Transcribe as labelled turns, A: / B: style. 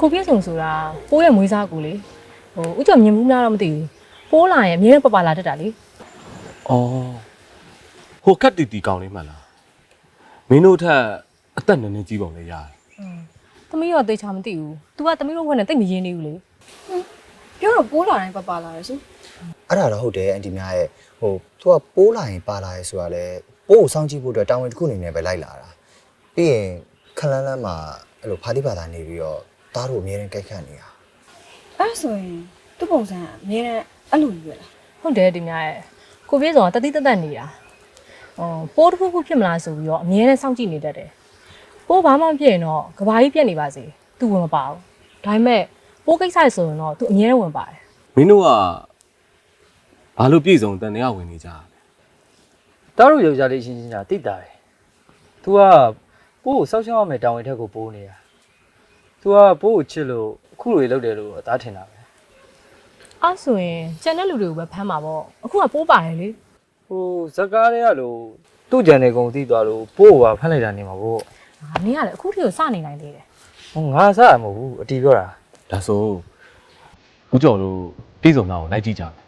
A: ကိုပြည့်စုံဆိုတာပိုးရဲ့မွေးစားကူလေဥကြောင့်မြင်မှုလားတော့မသိဘူးပိုးလာရင်အမြဲပပလာတတ်တာလေ
B: ။အော်ဟိုကတ်တီတီကောင်းလေးမှန်လား။မင်းတို့ထက်အသက်နည်းနည်းကြီးပုံလေးရတယ်
A: သမီးတော့သိချာမသိဘူး तू ကသမီးတို့ဘက်နဲ့တိတ်မရင်းနေဘူးလေ
C: ပြောတော့ပိုးလာတိုင်းပါလာတယ်ရှင်
D: အဲ့ဒါတော့ဟုတ်တယ်အန်တီများရဲ့ဟိုသူကပိုးလာရင်ပါလာရဲဆိုတာလေပိုးကိုစောင့်ကြည့်ဖို့အတွက်တာဝန်တစ်ခုအနေနဲ့ပဲလိုက်လာတာပြီးရင်ခလန်းလန်းမှာအဲ့လိုဖာတိပါတာနေပြီးတော့တားတို့အမြဲတမ်းကြိုက်ခတ်နေတာ
C: အဲ့ဆိုရင်သူ့ပုံစံကအမြဲတမ်းအဲ့လိုကြီးပဲလား
A: ဟုတ်တယ်ဒီများရဲ့ကိုပြည့်စုံကတတိတသက်နေတာပိုးတစ်ခုခုဖြစ်မလားဆိုပြီးတော့အမြဲတမ်းစောင့်ကြည့်နေတတ်တယ်ပိုးဘာမှမဖြစ်ရင်တော့ကဘာကြီးပြက်နေပါစေ तू ဝင်မပါဘူးဒါပေမဲ့ပိုးကိစ္စရဆိုရင်တော့ तू အမြဲတမ်းဝင်ပါတယ်
B: ။မင်းတို့ကဘာလို့ပြည်စုံတန်တရားဝင်နေကြလဲ
E: တားတို့ယောက်ျားလေးရှင်းရှင်းညာတိတာတယ်။ तू ကပိုးကိုစောက်ရှောက်ရမယ်တောင်းဝင်ထက်ကိုပိုးနေတာ။ तू ကပိုးကိုချစ်လို့အခုလိုလုပ်တယ်လို့အသားထင်တာပဲ
A: အဲ့ဆိုရင်ကျန်တဲ့လူတွေကိုပဲဖမ်းမှာပေါ့အခုကပိုးပါတယ်လေ
E: ။ဟိုဇက်ကားတွေကလို့သူ့ကြံနေကုန်သိသွားလို့ပိုးကိုပါဖမ်းလိုက်တာနေမှာပေါ့
A: နင်းကလည်းအခုထိကိုစနေနိုင်သေးတယ်
E: ။ဟိုငါစားရမဟုတ်ဘူးအတီးပြောတာ
B: ။ဒါဆိုဦးကျော်တို့ပြည်စုံသားကိုလိုက်ကြည့်ကြမယ်